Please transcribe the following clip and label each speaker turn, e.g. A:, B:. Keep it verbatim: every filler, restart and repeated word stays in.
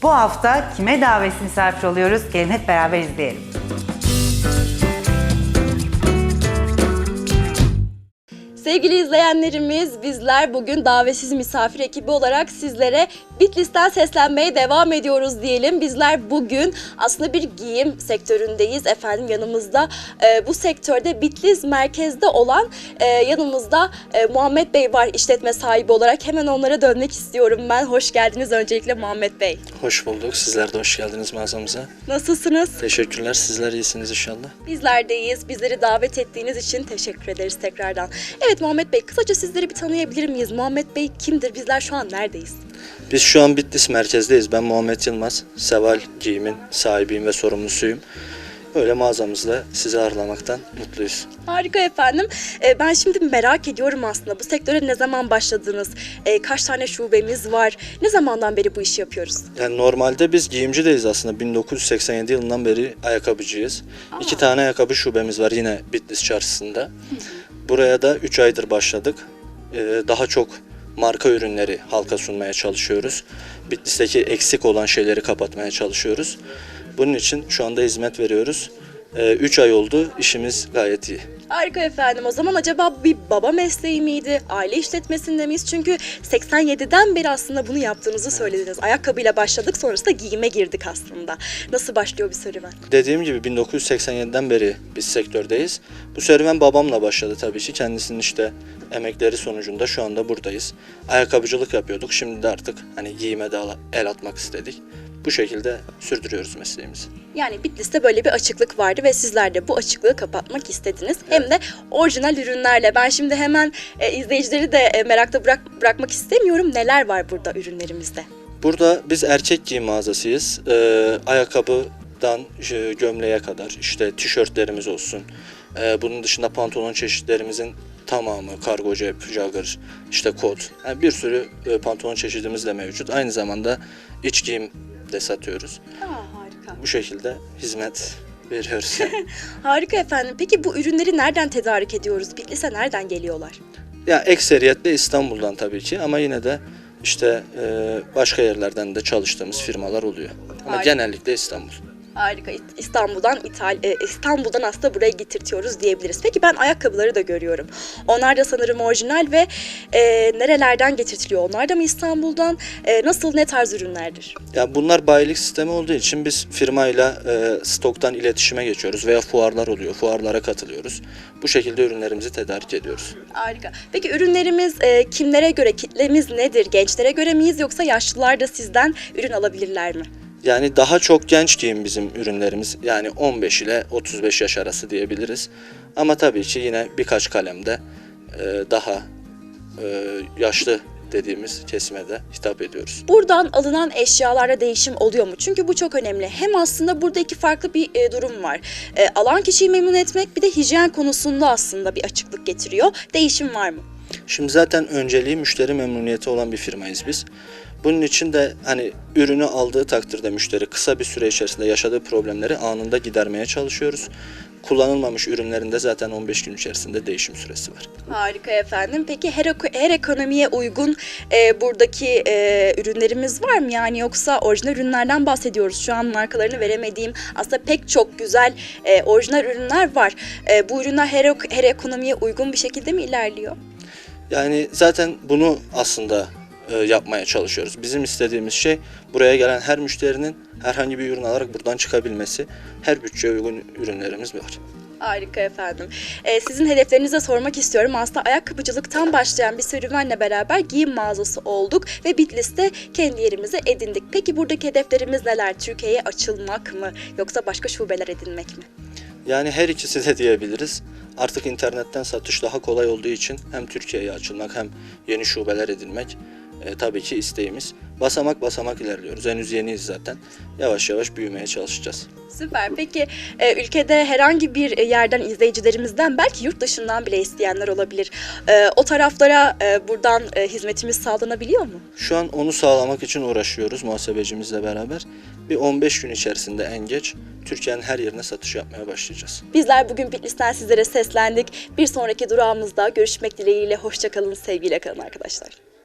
A: Bu hafta kime davetsiz misafir oluyoruz? Gelin hep beraber izleyelim.
B: Sevgili izleyenlerimiz, bizler bugün davetsiz misafir ekibi olarak sizlere Bitlis'ten seslenmeye devam ediyoruz diyelim. Bizler bugün aslında bir giyim sektöründeyiz efendim. Yanımızda e, bu sektörde Bitlis merkezde olan e, yanımızda e, Muhammed Bey var, işletme sahibi olarak. Hemen onlara dönmek istiyorum ben. Hoş geldiniz öncelikle Muhammed Bey.
C: Hoş bulduk. Sizler de hoş geldiniz mağazamıza.
B: Nasılsınız?
C: Teşekkürler. Sizler iyisiniz inşallah.
B: Bizler de iyiyiz. Bizleri davet ettiğiniz için teşekkür ederiz tekrardan. Evet Muhammed Bey, kısaca sizleri bir tanıyabilir miyiz? Muhammed Bey kimdir? Bizler şu an neredeyiz?
C: Biz şu an Bitlis merkezdeyiz. Ben Muhammed Yılmaz. Seval Giyim'in sahibiyim ve sorumlusuyum. Öyle mağazamızda sizi ağırlamaktan mutluyuz.
B: Harika efendim. Ee, ben şimdi merak ediyorum aslında. Bu sektöre ne zaman başladınız? Ee, kaç tane şubemiz var? Ne zamandan beri bu işi yapıyoruz?
C: Yani normalde biz giyimcideyiz aslında. bin dokuz yüz seksen yedi yılından beri ayakkabıcıyız. Aa. İki tane ayakkabı şubemiz var yine Bitlis çarşısında. Buraya da üç aydır başladık. Ee, daha çok marka ürünleri halka sunmaya çalışıyoruz. Bitlis'teki eksik olan şeyleri kapatmaya çalışıyoruz. Bunun için şu anda hizmet veriyoruz. üç ay oldu, işimiz gayet iyi.
B: Harika efendim. O zaman acaba bir baba mesleği miydi? Aile işletmesinde miyiz? Çünkü seksen yediden beri aslında bunu yaptığınızı söylediniz. Ayakkabıyla başladık, sonrasında giyime girdik aslında. Nasıl başlıyor bir serüven?
C: Dediğim gibi bin dokuz yüz seksen yediden beri biz sektördeyiz. Bu serüven babamla başladı tabii ki. Kendisinin işte emekleri sonucunda şu anda buradayız. Ayakkabıcılık yapıyorduk. Şimdi de artık hani giyime de el atmak istedik. Bu şekilde sürdürüyoruz mesleğimizi.
B: Yani Bitlis'te böyle bir açıklık vardı ve sizler de bu açıklığı kapatmak istediniz. Evet. Hem de orijinal ürünlerle. Ben şimdi hemen e, izleyicileri de e, merakta bırak, bırakmak istemiyorum. Neler var burada ürünlerimizde?
C: Burada biz erkek giyim mağazasıyız. Ee, ayakkabıdan e, gömleğe kadar işte tişörtlerimiz olsun. Ee, bunun dışında pantolon çeşitlerimizin tamamı, kargo cep, jogger, işte kot. Yani bir sürü e, pantolon çeşidimiz de mevcut. Aynı zamanda iç giyim de satıyoruz.
B: Aa, harika.
C: Bu şekilde hizmet veriyoruz.
B: Harika efendim. Peki bu ürünleri nereden tedarik ediyoruz? Bitlis'e nereden geliyorlar?
C: Ya ekseriyetle İstanbul'dan tabii ki ama yine de işte e, başka yerlerden de çalıştığımız firmalar oluyor. Ama
B: Harika.
C: genellikle İstanbul.
B: Harika. İstanbul'dan İtal e, İstanbul'dan aslında buraya getirtiyoruz diyebiliriz. Peki ben ayakkabıları da görüyorum. Onlar da sanırım orijinal ve e, nerelerden getirtiliyor? Onlar da mı İstanbul'dan? E, nasıl, ne tarz ürünlerdir?
C: Ya bunlar bayilik sistemi olduğu için biz firmayla e, stoktan iletişime geçiyoruz veya fuarlar oluyor. Fuarlara katılıyoruz. Bu şekilde ürünlerimizi tedarik ediyoruz.
B: Harika. Peki ürünlerimiz e, kimlere göre, kitlemiz nedir? Gençlere göre miyiz yoksa yaşlılar da sizden ürün alabilirler mi?
C: Yani daha çok genç giyim bizim ürünlerimiz. Yani on beş ile otuz beş yaş arası diyebiliriz. Ama tabii ki yine birkaç kalemde e, daha e, yaşlı dediğimiz kesime de hitap ediyoruz.
B: Buradan alınan eşyalarda değişim oluyor mu? Çünkü bu çok önemli. Hem aslında burada iki farklı bir e, durum var. E, alan kişiyi memnun etmek, bir de hijyen konusunda aslında bir açıklık getiriyor. Değişim var mı?
C: Şimdi zaten önceliği müşteri memnuniyeti olan bir firmayız biz. Bunun için de hani ürünü aldığı takdirde müşteri kısa bir süre içerisinde yaşadığı problemleri anında gidermeye çalışıyoruz. Kullanılmamış ürünlerinde zaten on beş gün içerisinde değişim süresi var.
B: Harika efendim. Peki her, her ekonomiye uygun e, buradaki e, ürünlerimiz var mı? Yani yoksa orijinal ürünlerden bahsediyoruz. Şu an markalarını veremediğim aslında pek çok güzel e, orijinal ürünler var. E, bu ürünler her, her ekonomiye uygun bir şekilde mi ilerliyor?
C: Yani zaten bunu aslında e, yapmaya çalışıyoruz. Bizim istediğimiz şey buraya gelen her müşterinin herhangi bir ürün alarak buradan çıkabilmesi. Her bütçeye uygun ürünlerimiz var.
B: Harika efendim. Ee, sizin hedeflerinize sormak istiyorum. Aslında ayakkabıcılıktan başlayan bir serüvenle beraber giyim mağazası olduk ve Bitlis'te kendi yerimizi edindik. Peki buradaki hedeflerimiz neler? Türkiye'ye açılmak mı yoksa başka şubeler edinmek mi?
C: Yani her ikisi de diyebiliriz. Artık internetten satış daha kolay olduğu için hem Türkiye'ye açılmak hem yeni şubeler edinmek e, tabii ki isteğimiz. Basamak basamak ilerliyoruz. Henüz yeniyiz zaten. Yavaş yavaş büyümeye çalışacağız.
B: Süper. Peki e, ülkede herhangi bir yerden izleyicilerimizden belki yurt dışından bile isteyenler olabilir. E, o taraflara e, buradan e, hizmetimiz sağlanabiliyor mu?
C: Şu an onu sağlamak için uğraşıyoruz muhasebecimizle beraber. Bir on beş gün içerisinde en geç Türkiye'nin her yerine satış yapmaya başlayacağız.
B: Bizler bugün Bitlis'ten sizlere seslendik. Bir sonraki durağımızda görüşmek dileğiyle. Hoşça kalın, sevgiyle kalın arkadaşlar.